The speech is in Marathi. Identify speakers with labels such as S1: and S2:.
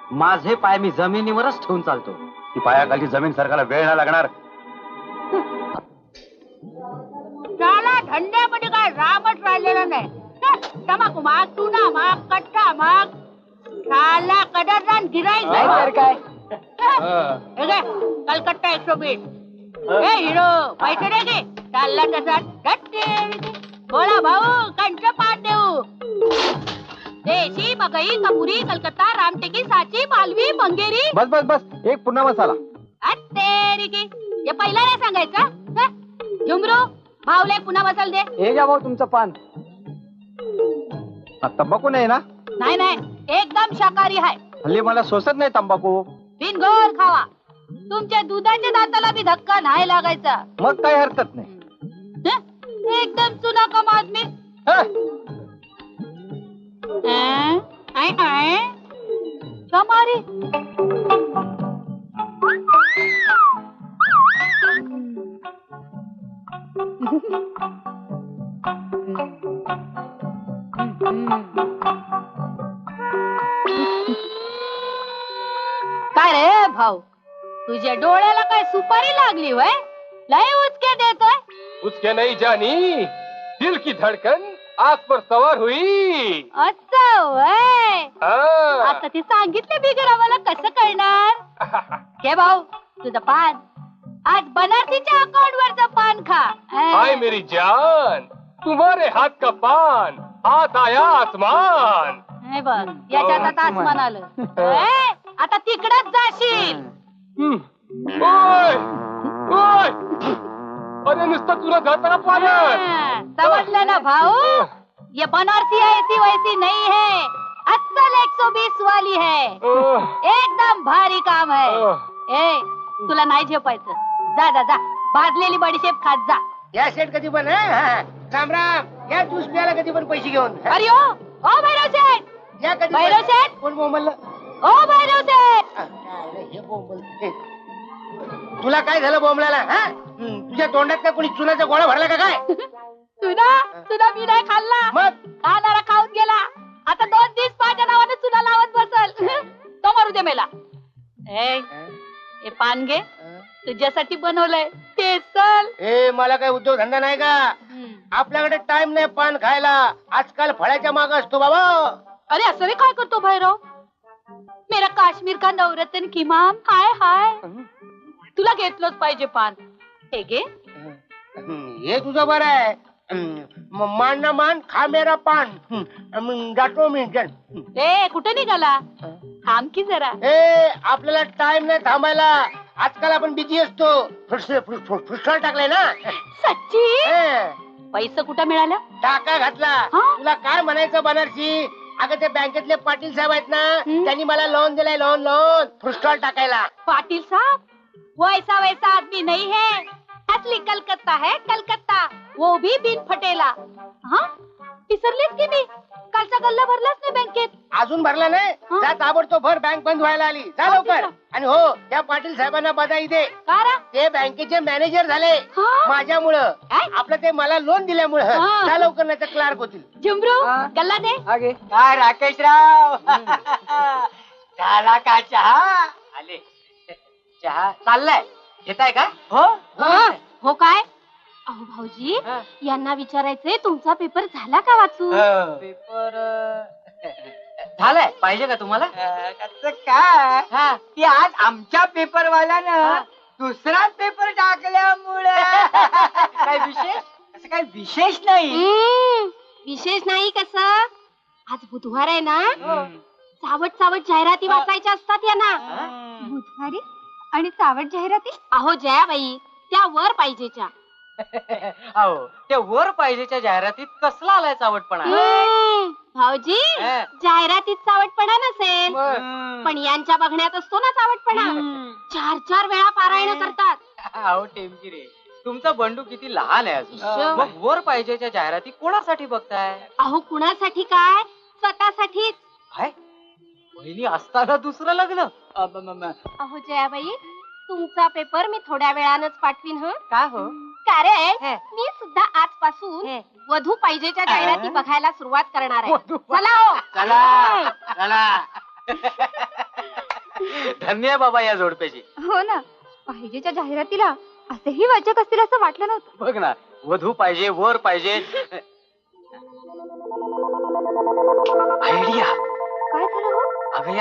S1: माझे पाय मी जमिनीवरच ठेवून चालतो.
S2: ती पायाखाली जमीन सरकारला वेळ नाही लागणार.
S3: त्याला धंद्यामध्ये काय रामच राहिलेला नाही. तमाकू माग, चुना माग, कट्टा माग, त्याला कदरदान गिराईक
S1: काय
S3: कलकत्ता 120. ए हिरो पैसे दे गे. चालला तसा बोला भाऊ कंच पान देऊ. देशी मकई कपुरी कलकत्ता रामटेकी सांची मालवी मंगेरी.
S1: बस बस बस एक पुन्हा मसाला.
S3: तेरी की हे पहिला नाही सांगायचं. झुमरू भाऊला एक पुन्हा मसाला दे.
S1: हे घ्या भाऊ तुमचं पान. तंबाखू नाही ना?
S3: नाही नाही एकदम शाकाहारी आहे.
S1: हल्ली मला सोसत नाही तंबाखू.
S3: बिनगोल खावा. तुमच्या दुधाच्या दाताला बी धक्का नाही लागायचा.
S1: मग काही हरकत नाही.
S3: एकदम चुना कम आदमी. कमारी काय रे भाऊ, तुझ्या डोळ्याला काय सुपारी लागली वय? लय उचके देतोय.
S4: उसके नहीं जानी दिल की धड़कन आग पर सवार हुई.
S3: असं वय.
S4: हाँ.
S3: आता ते सांगितले बिगर आम्हाला कसं कळणार? घे भाऊ तुझं पान. आज बनारसीच्या अकाउंट वरचं पान खा.
S4: हाय मेरी जान, तुम्हारे हाथ का पान हाथ आया आसमान.
S3: हे बघ याच्यात आता आसमान आलं. आता तिकडच जाशील.
S4: ओय ओय, अरे नुसतं तुला जाता का पालन.
S3: समजलं ना भाऊ? ये बनारसी ऐसी वैसी नहीं है, असल 120 वाली है. एकदम भारी काम है. ए तुला नाही झेपायचं. जा जा जा भाजलेली बडीशेप खात जा.
S5: या सेट कधी पण राम राम. या ज्यूस प्यायला कधी पण पैसे घेऊन.
S3: अरे ओ भैरव शेठ.
S5: या कधी
S3: भैरव शेठ.
S5: कोण बोंबललं?
S3: ओ भैरव शेठ.
S5: हे बोंबल. तुला काय झालं बोंबलाला? तुझ्या तोंडात काय कोणी चुनाचा गोळा भरला का काय?
S3: तुला मी नाही खाल्ला.
S5: मग
S3: खाणारा खाऊन गेला. आता 2 दिवस माझ्या नावाने चुना लावत बसल. तो मारू दे मेला. ए पान घे. तुझ्यासाठी बनवलंय ते चल.
S5: ए मला काय उद्योग धंदा नाही का? आपल्याकडे टाइम नाही पान खायला. आजकाल फळाच्या माग असतो बाबा.
S3: अरे असं रे काय करतो भैरव? मेरा काश्मीर का नवरत्न किमान. हाय हाय तुला घेतलंच पाहिजे पान. हे घे.
S5: हे तुझं बरं आहे. मान ना मान खा मेरा पान. जातो मी.
S3: ए कुठे निघाला? थांब की जरा.
S5: ए आपल्याला टाइम नाही थांबायला. आजकाल आपण बिझी असतो. फुसफुस टाकलाय ना.
S3: सच्ची? पैसे कुठं मिळालं?
S5: टाका घातला. तुला काय म्हणायचं बनारसी? अगं ते बँकेतले पाटील साहेब आहेत ना, त्यांनी मला लोन दिलाय. लोन फुटस्टॉल टाकायला.
S3: पाटिल साहब वैसा वैसा आदमी नहीं है. असली कलकत्ता है कलकत्ता. वो भी बिन फटेला. हाँ विसरलेच की मी? कालचा गल्ला भरलाच नाही बँकेत.
S5: अजून भरला नाही? जा ताबडतोब भर. बँक बंद व्हायला आली. जा लवकर. आणि हो त्या पाटील साहेबांना बधाई दे. ते बँकेचे मॅनेजर झाले माझ्यामुळं. आपलं ते मला लोन दिल्यामुळं. जा लवकर नाही तर क्लार्क होतील.
S3: झुमरू गल्ला दे.
S1: काय राकेशराव झाला का चहा? आले चहा चाललाय. घेताय का?
S3: हो काय? अहो भाऊजी यांना विचारायचंय तुमचा पेपर झाला का वाचून?
S1: पेपर झालाय. पाहिजे का तुम्हाला? काय की आज आमच्या पेपरवाल्यानं दुसराच पेपर टाकल्यामुळे काय विशेष? असं काय विशेष नाही.
S3: विशेष नाही कसं? आज बुधवार आहे ना. चावट चावट जाहिराती वाचायच्या असतात यांना. बुधवारी आणि चावट जाहिराती? अहो जयाबाई त्या वर पाहिजेच्या.
S1: अहो त्या वर पाहिजेच्या जाहिरातीत कसला आलाय चावटपणा?
S3: भाऊजी जाहिरातीत चावटपणा नसेल पण यांच्या बघण्यात असतो ना चावटपणा. 4-4 वेळा पारायण करतात.
S1: अहो टेमकी रे तुमचा बंडू किती लहान आहे अजून. मग वर पाहिजेच्या जाहिराती कोणासाठी बघताय?
S3: अहो कुणासाठी काय स्वतःसाठीच.
S1: काय बहिणी असताना दुसरं लग्न?
S3: अहो जयाबाई तुमचा पेपर मी थोड्या वेळानच पाठवीन.
S1: का हो?
S3: कारण मी सुद्धा आजपासून वधू पाहिजेच्या जाहिराती बघायला सुरुवात करणार आहे. चला हो.
S1: चला चला धन्य आहे बाबा या जोडप्याची.
S6: हो ना, पाहिजेच्या जाहिरातीला असेही वाचक असतील असं वाटलं नव्हतं.
S1: बघ ना, वधू पाहिजे, वर पाहिजे. आयडिया